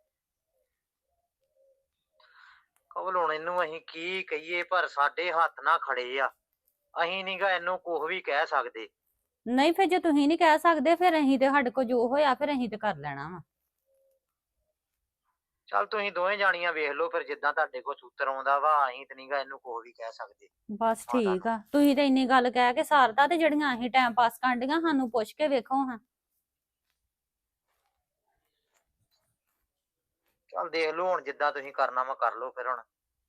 ਕਵਲ ਹੁਣ ਇਹਨੂੰ ਅਸੀਂ ਕੀ ਕਹੀਏ, ਪਰ ਸਾਡੇ ਹੱਥ ਨਾ ਖੜੇ ਆ। ਅਸੀਂ ਨੀਗਾ ਇਹਨੂੰ ਕੁਝ ਵੀ ਕਹਿ ਸਕਦੇ। ਨਹੀਂ ਫਿਰ ਜੇ ਤੁਸੀਂ ਨਹੀਂ ਕਹਿ ਸਕਦੇ ਫਿਰ ਅਸੀਂ ਤੇ ਸਾਡੇ ਕੋਲ ਜੋ ਹੋਇਆ ਫਿਰ ਅਸੀਂ ਤੇ ਕਰ ਲੈਣਾ ਵਾ। ਚੱਲ ਤੁਸੀਂ ਦੋਵੇਂ ਜਾਣੀਆਂ ਵੇਖ ਲਓ ਫਿਰ, ਜਿੱਦਾਂ ਤੁਹਾਡੇ ਕੋਲ ਸੂਤਰ ਆਉਂਦਾ ਵਾ। ਅਸੀਂ ਤੇ ਨੀਗਾ ਇਹਨੂੰ ਕੁਝ ਵੀ ਕਹਿ ਸਕਦੇ। ਬਸ ਹਾਂ ਠੀਕ ਆ, ਤੁਸੀਂ ਤੇ ਇੰਨੀ ਗੱਲ ਕਹਿ ਕੇ ਸਾਰਦਾ, ਤੇ ਜਿਹੜੀਆਂ ਅਸੀਂ ਟਾਈਮ ਪਾਸ ਕਰਦੀਆਂ ਸਾਨੂੰ ਪੁੱਛ ਕੇ ਵੇਖੋ ਹਾਂ। ਚੱਲ ਦੇਖ ਲਓ ਹੁਣ, ਜਿੱਦਾਂ ਤੁਸੀਂ ਕਰਨਾ ਵਾ ਕਰ ਲਓ ਫਿਰ ਹੁਣ।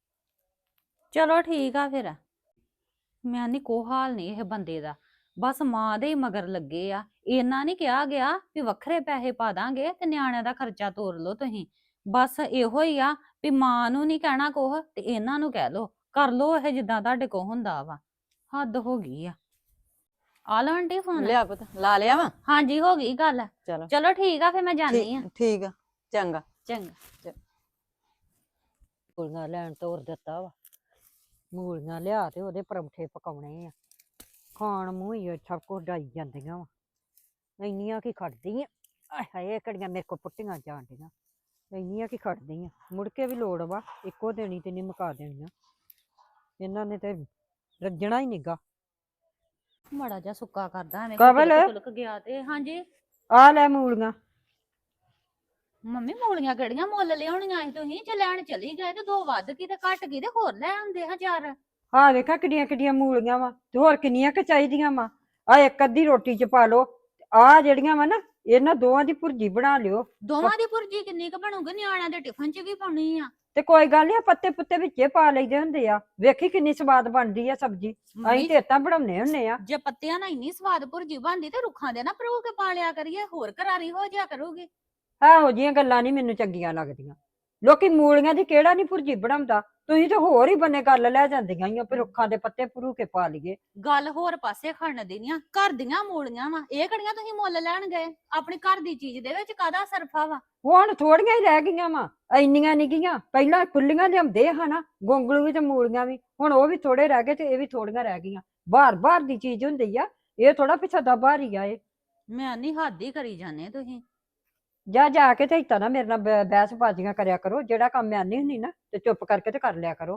ਚਲੋ ਠੀਕ ਆ ਫਿਰ। ਮੈਂ ਨਹੀਂ ਕੋ ਹਾਲ ਨਹੀਂ ਇਹ ਬੰਦੇ ਦਾ, ਬਸ ਮਾਂ ਦੇ ਹੀ ਮਗਰ ਲੱਗੇ ਆ। ਇਹਨਾਂ ਨਹੀਂ ਕਿਹਾ ਗਿਆ ਵੀ ਵੱਖਰੇ ਪੈਸੇ ਪਾ ਦਾਂਗੇ ਤੇ ਨਿਆਣਿਆਂ ਦਾ ਖਰਚਾ ਤੋਰ ਲਓ ਤੁਸੀਂ। ਬਸ ਇਹੋ ਹੀ ਆ ਵੀ ਮਾਂ ਨੂੰ ਨਹੀਂ ਕਹਿਣਾ ਕੁਛ ਤੇ ਇਹਨਾਂ ਨੂੰ ਕਹਿ ਲਓ, ਕਰ ਲਓ ਇਹ ਜਿੱਦਾਂ ਤੁਹਾਡੇ ਕੋ ਹੁੰਦਾ ਵਾ। ਹੱਦ ਹੋ ਗਈ ਆ। ਆ ਲਓ ਆਂਟੀ ਫੋਨ। ਲਿਆ ਪੁੱਤ, ਲਾ ਲਿਆ ਵਾ। ਹਾਂਜੀ ਹੋ ਗਈ ਗੱਲ। ਚਲੋ ਚਲੋ ਠੀਕ ਆ ਫਿਰ ਮੈਂ ਜਾਂਦੀ ਆ। ਠੀਕ ਆ, ਚੰਗਾ। ਚੰਗਾ। ਮੂਲੀਆਂ ਲੈਣ ਤੋਰ ਦਿੱਤਾ ਵਾ। ਮੂਲੀਆਂ ਲਿਆ ਤੇ ਉਹਦੇ ਪਰੌਂਠੇ ਪਕਾਉਣੇ ਆ। ਖਾਣ ਮੂੰਹ ਹੀ ਸਭ ਕੁਝ ਡਾਈ ਜਾਂਦੀਆਂ ਵਾ। ਇੰਨੀਆਂ ਕੀ ਖੜਦੀਆਂ, ਆਏ ਹਾਏ ਕਿਹੜੀਆਂ ਮੇਰੇ ਕੋ ਪੁੱਟੀਆਂ ਜਾਣ ਡੀਆਂ। ਇੰਨੀਆਂ ਕੀ ਖੜਦੀਆਂ, ਮੁੜ ਕੇ ਵੀ ਲੋੜ ਵਾ। ਇੱਕੋ ਦੇਣੀ ਤੇ ਨਹੀਂ ਮੁਕਾ ਦੇਣੀਆਂ ਇਹਨਾਂ ਨੇ, ਤੇ ਰੱਜਣਾ ਹੀ ਨੀਗਾ। ਮਾੜਾ ਜਿਹਾ ਸੁੱਕਾ ਕਰਦਾ ਐਵੇਂ ਕਵਲ। ਤਿਲਕ ਗਿਆ ਤੇ। ਹਾਂਜੀ ਆ ਲੈ ਮੂਲੀਆਂ। ਮੰਮੀ ਮੂਲੀਆਂ ਕਿਹੜੀਆਂ ਮੁੱਲ ਲਿਆਉਣੀਆਂ ਸੀ ਤੁਸੀਂ? ਜੇ ਲੈਣ ਚਲੀ ਗਏ ਤੇ ਦੋ ਵੱਧ ਗਈ ਤੇ ਘਟ ਗਈ ਤੇ ਹੋਰ ਲੈ ਆਉਂਦੇ 1000। ਆਹ ਵੇਖਾ ਕਿੱਡੀਆਂ ਕਿੱਡੀਆਂ ਮੂਲੀਆਂ ਵਾ, ਤੇ ਹੋਰ ਕਿੰਨੀਆਂ ਕੁ ਚਾਹੀਦੀਆਂ ਵਾ। ਆ ਇੱਕ ਅੱਧੀ ਰੋਟੀ ਚ ਪਾ ਲਓ। ਆ ਜਿਹੜੀਆਂ ਵਾ ਨਾ, ਇਹਨਾਂ ਦੋਵਾਂ ਦੀ ਭੁਰਜੀ ਬਣਾ ਲਿਓ। ਦੋਵਾਂ ਦੀ ਭੁਰਜੀ ਕਿੰਨੀ ਕੁ ਬਣੂਗੀ? ਨਿਆਣਿਆਂ ਦੇ ਟਿਫਨ ਚ ਵੀ ਪਾਉਣੀ ਆ। ਤੇ ਕੋਈ ਗੱਲ ਨੀ, ਪੱਤੇ ਪੁੱਤੇ ਵਿੱਚੇ ਪਾ ਲਈਦੇ ਹੁੰਦੇ ਆ। ਵੇਖੀ ਕਿੰਨੀ ਸਵਾਦ ਬਣਦੀ ਆ ਸਬਜ਼ੀ। ਅਸੀਂ ਤੇ ਏਦਾਂ ਬਣਾਉਣੇ ਹੁੰਨੇ ਆ। ਜੇ ਪੱਤਿਆਂ ਨਾਲ ਇੰਨੀ ਸਵਾਦ ਭੁਰਜੀ ਬਣਦੀ ਤੇ ਰੁੱਖਾਂ ਦੇ ਨਾ ਭਰੂ ਕੇ ਪਾ ਲਿਆ ਕਰੀਏ, ਹੋਰ ਕਰਾਰੀ ਹੋ ਜਿਆ ਕਰੂਗੀ। ਇਹੋ ਜਿਹੀਆਂ ਗੱਲਾਂ ਨਹੀਂ ਮੈਨੂੰ ਚੰਗੀਆਂ ਲੱਗਦੀਆਂ। ਲੋਕੀ ਮੂਲੀਆਂ ਦੀ ਕਿਹੜਾ ਨਹੀਂ ਭੁਰਜੀ ਬਣਾਉਂਦਾ। ਤੁਸੀਂ ਤਾਂ ਹੋਰ ਹੀ ਬੰਨੇ ਗੱਲ ਲੈ ਜਾਂਦੀਆਂ ਈ ਆ ਵੀ ਰੁੱਖਾਂ ਦੇ ਪੱਤੇ ਭਰੂ ਕੇ ਪਾ ਲਈਏ। ਗੱਲ ਹੋਰ ਪਾਸੇ ਖੜਨ ਦੀ ਨੀ ਆ। ਘਰ ਦੀਆਂ ਮੂਲੀਆਂ ਵਾ, ਇਹ ਕਿਹੜੀਆਂ ਤੁਸੀਂ ਮੁੱਲ ਲੈਣ ਗਏ? ਆਪਣੀ ਘਰ ਦੀ ਚੀਜ਼ ਦੇ ਵਿੱਚ ਕਾਹਦਾ ਸਰਫਾ ਵਾ? ਹੁਣ ਥੋੜੀਆਂ ਹੀ ਰਹਿ ਗਈਆਂ ਵਾ, ਇੰਨੀਆਂ ਨਹੀਂ ਗਈਆਂ। ਪਹਿਲਾਂ ਖੁੱਲੀਆਂ ਲਿਆਉਂਦੇ ਹਨਾ, ਗੋਂਗਲੂ ਵੀ ਤੇ ਮੂਲੀਆਂ ਵੀ। ਹੁਣ ਉਹ ਵੀ ਥੋੜੇ ਰਹਿ ਗਏ ਤੇ ਇਹ ਵੀ ਥੋੜੀਆਂ ਰਹਿ ਗਈਆਂ। ਬਾਹਰ ਬਾਹਰ ਦੀ ਚੀਜ਼ ਹੁੰਦੀ ਆ, ਇਹ ਥੋੜਾ ਪਿੱਛਾ ਦਾ ਬਾਹਰ ਹੀ ਆ ਇਹ। ਮੈਂ ਨਹੀਂ ਹੱਦ ਹੀ ਕਰੀ ਜਾਂਦੇ ਤੁਸੀਂ। ਜਾ ਜਾ ਕੇ ਤੇ ਇੱਦਾਂ ਨਾ ਮੇਰੇ ਨਾਲ ਬਹਿਸ ਬਾਜ਼ੀਆਂ ਕਰਿਆ ਕਰੋ। ਜਿਹੜਾ ਕੰਮ ਮੈਂ ਆਨੀ ਹੁੰਦੀ ਨਾ ਤੇ ਚੁੱਪ ਕਰਕੇ ਤੇ ਕਰ ਲਿਆ ਕਰੋ।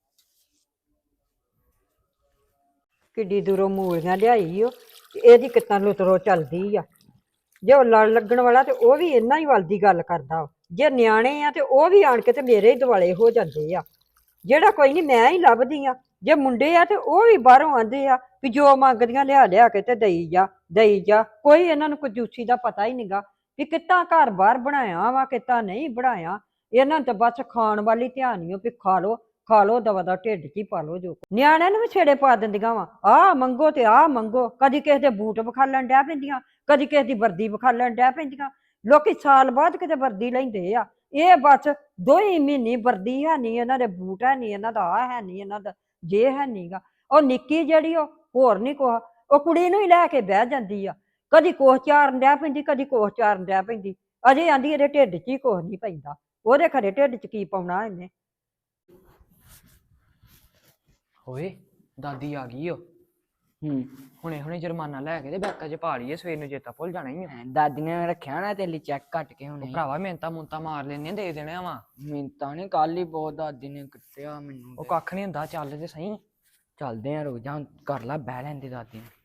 ਕਿੱਡੀ ਦੂਰੋਂ ਮੂਲੀਆਂ ਲਿਆਈ ਓ, ਤੇ ਇਹਦੀ ਕਿੱਦਾਂ ਲੁਤਰੋ ਚੱਲਦੀ ਆ। ਜੇ ਉਹ ਲੜ ਲੱਗਣ ਵਾਲਾ ਤੇ ਉਹ ਵੀ ਇਹਨਾਂ ਹੀ ਵੱਲ ਦੀ ਗੱਲ ਕਰਦਾ ਵਾ। ਜੇ ਨਿਆਣੇ ਆ ਤੇ ਉਹ ਵੀ ਆਣ ਕੇ ਤੇ ਮੇਰੇ ਹੀ ਦੁਆਲੇ ਹੋ ਜਾਂਦੇ ਆ। ਜਿਹੜਾ ਕੋਈ ਨਹੀਂ, ਮੈਂ ਹੀ ਲੱਭਦੀ ਆ। ਜੇ ਮੁੰਡੇ ਆ ਤੇ ਉਹ ਵੀ ਬਾਹਰੋਂ ਆਂਦੇ ਆ ਵੀ ਜੋ ਮੰਗਦੀਆਂ ਲਿਆ ਲਿਆ ਕੇ ਤੇ ਦੇਈ ਜਾ ਦੇਈ ਜਾ। ਕੋਈ ਇਹਨਾਂ ਨੂੰ ਕੰਜੂਸੀ ਦਾ ਪਤਾ ਹੀ ਨਹੀਂਗਾ ਵੀ ਕਿੱਦਾਂ ਘਰ ਬਾਹਰ ਬਣਾਇਆ ਵਾ, ਕਿੱਦਾਂ ਨਹੀਂ ਬਣਾਇਆ। ਇਹਨਾਂ ਨੂੰ ਤਾਂ ਬਸ ਖਾਣ ਵਾਲੀ ਧਿਆਨ ਹੀ ਵੀ ਖਾ ਲੋ ਦਵਾ ਦਾ ਢਿੱਡ 'ਚ ਹੀ ਪਾ ਲੋ। ਜੋ ਨਿਆਣਿਆਂ ਨੂੰ ਵੀ ਛੇੜੇ ਪਾ ਦਿੰਦੀਆਂ ਵਾ, ਆਹ ਮੰਗੋ ਤੇ ਆਹ ਮੰਗੋ। ਕਦੀ ਕਿਸੇ ਦੇ ਬੂਟ ਵਿਖਾਲਣ ਡੈ ਪੈਂਦੀਆਂ, ਕਦੀ ਕਿਸੇ ਦੀ ਵਰਦੀ ਵਿਖਾਲਣ ਡੈ ਪੈਂਦੀਆਂ। ਲੋਕੀ ਸਾਲ ਬਾਅਦ ਕਿਤੇ ਵਰਦੀ ਲੈਂਦੇ ਆ, ਇਹ ਬਸ 2 ਹੀ ਮਹੀਨੇ ਵਰਦੀ ਹੈ ਨਹੀਂ, ਇਹਨਾਂ ਦੇ ਬੂਟ ਹੈ ਨਹੀਂ, ਇਹਨਾਂ ਦਾ ਆਹ ਹੈ ਨਹੀਂ, ਇਹਨਾਂ ਦਾ ਜੇ ਹੈ ਨਹੀਂਗਾ। ਉਹ ਨਿੱਕੀ ਜਿਹੜੀ ਉਹ ਹੋਰ ਨਹੀਂ ਕੁਛ, ਉਹ ਕੁੜੀ ਨੂੰ ਹੀ ਲੈ ਕੇ ਬਹਿ ਜਾਂਦੀ ਆ। ਕਦੀ ਕੋਹ ਚਾਰਨ ਡੈ ਪੈਂਦੀ, ਕਦੀ ਕੋਹ ਚਾਰਨ ਡੈ ਪੈਂਦੀ। ਅਜੇ ਆਂਦੀ ਇਹਦੇ ਢਿੱਡ 'ਚ ਹੀ ਕੁਛ ਨਹੀਂ ਪੈਂਦਾ। ਉਹਦੇ ਖਰੇ ਢਿੱਡ 'ਚ ਕੀ ਪਾਉਣਾ ਇਹਨੇ। ਓਏ ਦਾਦੀ ਆ ਗਈ ਓ। ਹੁਣੇ ਹੁਣੇ ਜੁਰਮਾਨਾ ਲੈ ਕੇ ਤੇ ਬੈਂਕਾਂ 'ਚ ਪਾ ਲਈਏ, ਸਵੇਰ ਨੂੰ ਚੇਤਾ ਭੁੱਲ ਜਾਣਾ ਹੀ ਆ। ਦਾਦੀ ਨੇ ਰੱਖਿਆ ਨਾ ਤੇਲੀ ਚੈੱਕ ਕੱਟ ਕੇ ਹੁਣੇ। ਭਰਾਵਾ ਮਿੰਤਾ ਮੁੰਤਾ ਮਾਰ ਲੈਨੇ, ਦੇ ਦੇਣਾ ਵਾ। ਮਿੰਤਾ ਨੇ ਕੱਲ ਹੀ ਬਹੁਤ ਦਾਦੀ ਨੇ ਕੱਟਿਆ ਮੈਨੂੰ। ਉਹ ਕੱਖ ਨਹੀਂ ਹੁੰਦਾ, ਚੱਲ ਤੇ ਸਹੀ। ਚੱਲਦੇ ਆ, ਰੁਕ ਜਾ, ਕਰ ਲਾ ਬਹਿ ਲੈਂਦੇ ਦਾਦੀ ਨੂੰ।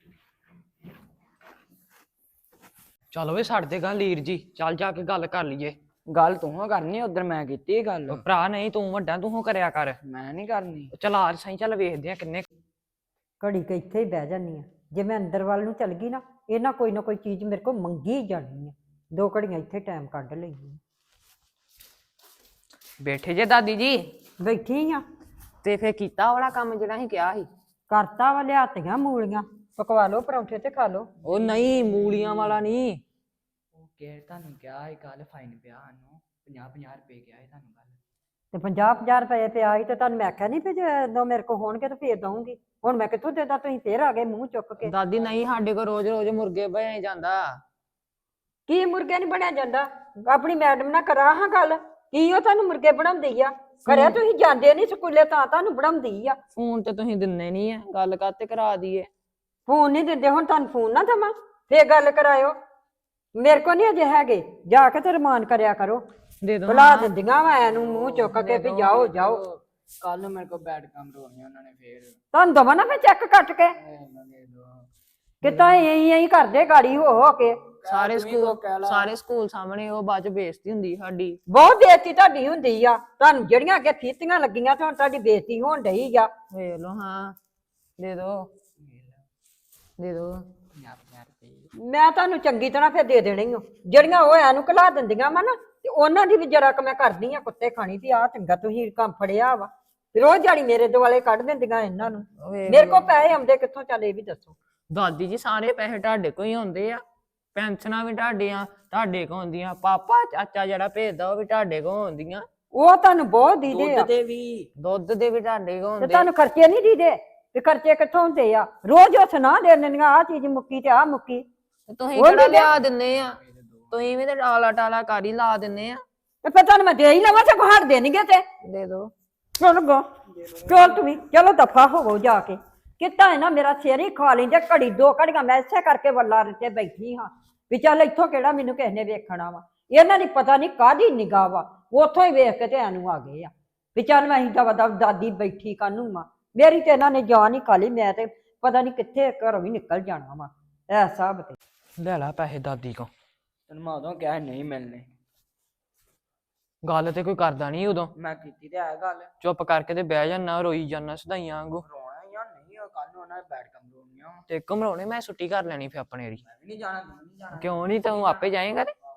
ਚੱਲ ਓਏ ਛੱਡ ਦੇ ਗੱਲ ਲੀਰ ਜੀ, ਚੱਲ ਜਾ ਕੇ ਗੱਲ ਕਰ ਲਈਏ। ਗੱਲ ਤੂੰ ਕਰਨੀ, ਉਧਰ ਮੈਂ ਕੀਤੀ ਗੱਲ। ਉਹ ਭਰਾ ਨਹੀਂ, ਤੂੰ ਵੱਡਾ, ਤੂੰ ਕਰਿਆ ਕਰ। ਮੈਂ ਨਹੀਂ ਕਰਨੀ। ਚੱਲ ਆ ਸਹੀ, ਚੱਲ ਵੇਖਦੇ ਆ ਕਿੰਨੇ। ਘੜੀ ਕੇ ਇੱਥੇ ਹੀ ਬਹਿ ਜਾਂਦੀ ਆ। ਜੇ ਮੈਂ ਅੰਦਰ ਵੱਲ ਨੂੰ ਚੱਲ ਗਈ ਨਾ, ਇਹ ਨਾ ਕੋਈ ਚੀਜ਼ ਮੇਰੇ ਕੋਲ ਮੰਗੀ ਹੀ ਜਾਣੀ ਆ। 2 ਘੜੀਆਂ ਇੱਥੇ ਟਾਈਮ ਕੱਢ ਲਈ। ਬੈਠੇ ਜੇ ਦਾਦੀ ਜੀ? ਬੈਠੀ ਆ। ਤੇ ਫੇਰ ਕੀਤਾ ਵਾਲਾ ਕੰਮ ਜਿਹੜਾ ਅਸੀਂ ਕਿਹਾ ਸੀ? ਕਰਤਾ ਵਾ, ਲਿਆਤੀਆਂ ਮੂਲੀਆਂ, ਪਕਵਾ ਲਓ ਪਰੌਂਠੇ ਤੇ ਖਾ ਲਓ। ਉਹ ਨਹੀਂ, ਮੂਲੀਆਂ ਵਾਲਾ ਨਹੀਂ। ਉਹ ਕਿ ਤੁਹਾਨੂੰ ਕਿਹਾ ਸੀ ਕੱਲ ਫਾਈਨ ਪਿਆ ਸਾਨੂੰ 50-50 ਰੁਪਏ ਕਿਹਾ ਸੀ ਤੁਹਾਨੂੰ ਕੱਲ। ਤੇ 50-50 ਰੁਪਏ ਪਿਆ ਸੀ ਤੇ ਤੁਹਾਨੂੰ ਮੈਂ ਆਖਿਆ ਨਹੀਂ ਵੀ ਜਦੋਂ ਮੇਰੇ ਕੋਲ ਹੋਣਗੇ ਤਾਂ ਫੇਰ ਦਊਂਗੀ। ਹੁਣ ਮੈਂ ਕਿੱਥੋਂ ਦੇਦਾ? ਤੁਸੀਂ ਫੇਰ ਆ ਗਏ ਮੂੰਹ ਚੁੱਕ ਕੇ। ਦਾਦੀ ਨਹੀਂ, ਸਾਡੇ ਕੋਲ ਰੋਜ਼ ਰੋਜ਼ ਮੁਰਗੇ ਬਣੇ ਜਾਂਦਾ। ਕੀ ਮੁਰਗੇ ਨਹੀਂ ਬਣਿਆ ਜਾਂਦਾ? ਆਪਣੀ ਮੈਡਮ ਨਾਲ ਕਰਾ ਹਾਂ ਗੱਲ ਕੀ ਉਹ ਤੁਹਾਨੂੰ ਮੁਰਗੇ ਬਣਾਉਂਦੀ ਆ ਘਰੇ ਤੁਸੀਂ ਜਾਂਦੇ ਨਹੀਂ ਸਕੂਲੇ ਤਾਂ ਤੁਹਾਨੂੰ ਬਣਾਉਂਦੀ ਆ। ਫੋਨ ਤੇ ਤੁਸੀਂ ਦਿੰਦੇ ਨਹੀਂ ਆ, ਗੱਲ ਕਾਤੇ ਕਰਾ ਦਈਏ। ਫੋਨ ਨਹੀਂ ਦਿੰਦੇ, ਹੁਣ ਤੁਹਾਨੂੰ ਫੋਨ ਨਾ ਦੇਵਾਂ ਫੇਰ ਗੱਲ ਕਰਾਇਓ। ਮੇਰੇ ਕੋ ਨਹੀਂ ਅਜੇ ਹੈਗੇ, ਜਾ ਕੇ ਤੇ ਰਮਾਨ ਕਰਿਆ ਕਰੋ। ਦੇ ਦੋ ਬੁਲਾ ਦਿੰਦੀਆਂ ਵਾ ਇਹਨੂੰ ਮੂੰਹ ਚੁੱਕ ਕੇ ਵੀ ਜਾਓ ਜਾਓ। ਕੱਲ ਨੂੰ ਮੇਰੇ ਕੋਲ ਬੈਡ ਕੰਮ ਰੋਣੇ ਉਹਨਾਂ ਨੇ ਫੇਰ ਤੁਹਾਨੂੰ ਦਵਾਂ ਨਾ ਫੇਰ ਚੈੱਕ ਕੱਟ ਕੇ ਕਿਤਾ ਐਂ ਕਰਦੇ ਗਾੜੀ ਹੋ ਕੇ। ਸਾਰੇ ਸਕੂਲ ਸਾਹਮਣੇ ਉਹ ਬਾਅਦ ਚ ਬੇਇੱਜ਼ਤੀ ਹੁੰਦੀ ਸਾਡੀ। ਬਹੁਤ ਬੇਇੱਜ਼ਤੀ ਤੁਹਾਡੀ ਹੁੰਦੀ ਆ, ਤੁਹਾਨੂੰ ਜਿਹੜੀਆਂ ਅੱਗੇ ਫੀਤੀਆਂ ਲੱਗੀਆਂ ਤੇ ਹੁਣ ਤੁਹਾਡੀ ਬੇਇੱਜ਼ਤੀ ਹੋਣ ਡਈ ਆ। ਵੇਖ ਲਓ ਹਾਂ, ਦੇ ਦੋ 50 ਰੁਪਏ। ਮੈਂ ਤੁਹਾਨੂੰ ਚੰਗੀ ਤਰ੍ਹਾਂ ਫਿਰ ਦੇ ਦੇਣੀ ਓ। ਜਿਹੜੀਆਂ ਉਹ ਐਨੂੰ ਘਲਾ ਦਿੰਦੀਆਂ ਵਾ ਨਾ ਤੇ ਉਹਨਾਂ ਦੀ ਵੀ ਜਰਾ ਕ ਮੈਂ ਕਰਦੀ ਆ ਕੁੱਤੇ ਖਾਣੀ ਤੇ ਆ ਚੰਗਾ ਤੁਸੀਂ ਕੰਮ ਫੜਿਆ ਵਾ। ਰੋਜ਼ ਦਿਹਾੜੀ ਮੇਰੇ ਦੁਆਲੇ ਕੱਢ ਦਿੰਦੀਆਂ ਇਹਨਾਂ ਨੂੰ। ਮੇਰੇ ਕੋਲ ਪੈਸੇ ਆਉਂਦੇ ਕਿੱਥੋਂ, ਚੱਲ ਇਹ ਵੀ ਦੱਸੋ। ਦਾਦੀ ਜੀ ਸਾਰੇ ਪੈਸੇ ਤੁਹਾਡੇ ਕੋਲ ਹੀ ਆਉਂਦੇ ਆ, ਪੈਨਸ਼ਨਾਂ ਵੀ ਤੁਹਾਡੇ ਕੋਲ ਆਉਂਦੀਆਂ, ਪਾਪਾ ਚਾਚਾ ਜਿਹੜਾ ਭੇਜਦਾ ਉਹ ਵੀ ਤੁਹਾਡੇ ਕੋਲ ਆਉਂਦੀਆਂ, ਉਹ ਤੁਹਾਨੂੰ ਬਹੁਤ ਦੀਦੇ ਆ ਦੁੱਧ ਦੇ ਵੀ ਤੁਹਾਡੇ ਕੋਲ ਤੇ ਆਉਂਦੇ। ਤੁਹਾਨੂੰ ਖਰਚੇ ਨਹੀਂ ਦੀਦੇ ਤੇ ਖਰਚੇ ਕਿੱਥੋਂ ਹੁੰਦੇ ਆ? ਰੋਜ਼ ਉਹ ਸੁਣਾ ਦੇ ਦਿੰਦੀਆਂ ਆ ਚੀਜ਼ ਮੁੱਕੀ ਤੇ ਆ ਮੁੱਕੀ। ਤੁਸੀਂ ਉਹ ਕਿਹੜਾ ਨੀ ਲਿਆ ਦਿੰਦੇ ਆ, ਤੁਸੀਂ ਵੀ ਤੇ ਟਾਲਾ ਟਾਲਾ ਕਰ ਹੀ ਲਾ ਦਿੰਦੇ ਆ। ਤੇ ਫਿਰ ਤੁਹਾਨੂੰ ਮੈਂ ਦੇ ਹੀ ਲਵਾਂ ਤੇ ਹਟ ਦੇਣਗੇ ਤੇ ਦੇ ਦੋ ਚਲ ਗੋ ਚਲ ਤੂੰ ਵੀ ਚਲੋ ਦਫਾ ਹੋਵੋ ਜਾ ਕੇ। ਕਿਤਾ ਹੈ ਨਾ ਮੇਰਾ ਸਿਰ ਹੀ ਖਾ ਲੈਂਦੇ ਘੜੀ ਦੋ ਘੜੀਆਂ ਮੈਂ ਇਸੇ ਕਰਕੇ ਵੱਲਾ ਰਿੱਤੇ ਬੈਠੀ ਹਾਂ ਵੀ ਚੱਲ ਇੱਥੋਂ ਕਿਹੜਾ ਮੈਨੂੰ ਕਿਸੇ ਨੇ ਵੇਖਣਾ ਵਾ। ਇਹਨਾਂ ਦੀ ਪਤਾ ਨਹੀਂ ਕਾਹਦੀ ਨਿਗਾਹ ਵਾ, ਉੱਥੋਂ ਹੀ ਵੇਖ ਕੇ ਤੇ ਐਨੂੰ ਆ ਗਏ ਆ ਵੀ ਚੱਲ ਮੈਂ ਦਵਾ ਦਵ ਦਾਦੀ ਬੈਠੀ ਕਾਹਨੂੰ ਵਾ। ਮੇਰੀ ਤੇ ਇਹਨਾਂ ਨੇ ਜਾਨ ਹੀ ਖਾ ਲਈ, ਮੈਂ ਤੇ ਪਤਾ ਨਹੀਂ ਕਿੱਥੇ ਘਰੋਂ ਵੀ ਨਿਕਲ ਜਾਣਾ ਵਾ ਐ ਸਭ ਤੇ। ਲੈ ਲਾ ਪੈਸੇ ਦਾਦੀ ਕੋ। ਤੈਨੂੰ ਮੈਂ ਉਦੋਂ ਕਿਹਾ ਨਹੀਂ ਮਿਲਨੇ, ਗੱਲ ਤੇ ਕੋਈ ਕਰਦਾ ਨਹੀਂ ਉਦੋਂ, ਮੈਂ ਕੀਤੀ ਤੇ ਹੈ ਗੱਲ। ਚੁੱਪ ਕਰਕੇ ਤੇ ਬਹਿ ਜਾਨਾ, ਰੋਈ ਜਾਨਾ ਸਦਾਈਆਂ ਵਾਂਗੂ। ਰੋਣਾ ਯਾਰ ਨਹੀਂ, ਕੱਲ ਨੂੰ ਉਹਨਾਂ ਨੇ ਬੈਡ ਕੰਮ ਰੋਣੀਆਂ। ਤੇ ਘਮਰਾਉਣੇ ਮੈਂ ਛੁੱਟੀ ਕਰ ਲੈਣੀ ਫਿਰ ਆਪਣੇ ਦੀ। ਮੈਂ ਵੀ ਨਹੀਂ ਜਾਣਾ, ਤੂੰ ਵੀ ਨਹੀਂ ਜਾਣਾ। ਕਿਉਂ ਨਹੀਂ, ਤੂੰ ਆਪੇ ਜਾਏਂਗਾ ਤੇ